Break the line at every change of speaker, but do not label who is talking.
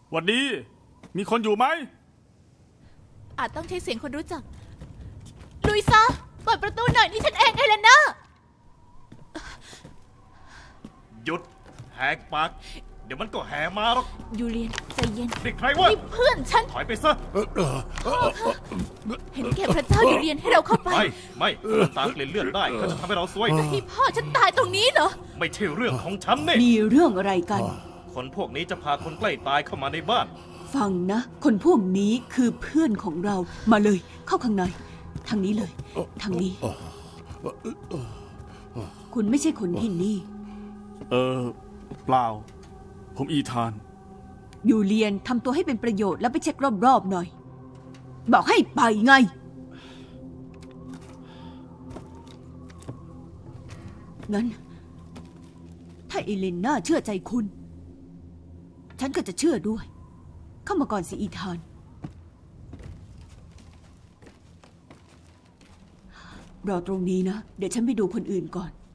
หวัดดี มีคนอยู่ไหม
อาจต้องใช้เสียงคนรู้จัก ลุยซะเปิดประตูหน่อยนี่ฉันเองเอเลน่า
หยุดแหกปากเดี๋ยวมันก็แห่มาหรอก
ยูเลียนใจเย็น
เด็กใครวะ
นี่เพื่อนฉัน
ถอยไปซะ
เห็นแก่พระเจ้ายูเลียนให้เราเข้าไป
ไม่มันตามกลิ่นเลือดได้เขาจะทำให้เราซวย
ที่พ่อฉันตายตรงนี้เหรอ
ไม่ใช่เรื่องของฉันเนี่ย
มีเรื่องอะไรกัน
คนพวกนี้จะพาคนใกล้ตายเข้ามาในบ้าน
ฟังนะ คนพวกนี้คือเพื่อนของเรา มาเลย เข้าข้างใน ทางนี้เลย ทางนี้ คุณไม่ใช่คนที่นี่
เปล่า ผมอีธาน
ยูเลียนทำตัวให้เป็นประโยชน์แล้วไปเช็ครอบๆหน่อย บอกให้ไปไง งั้น ถ้าเอเลนน่าเชื่อใจคุณ ฉันก็จะเชื่อด้วย เข้ามาก่อนสิอีธาน รอตรงนี้นะ เดี๋ยวฉันไปดูคนอื่นก่อน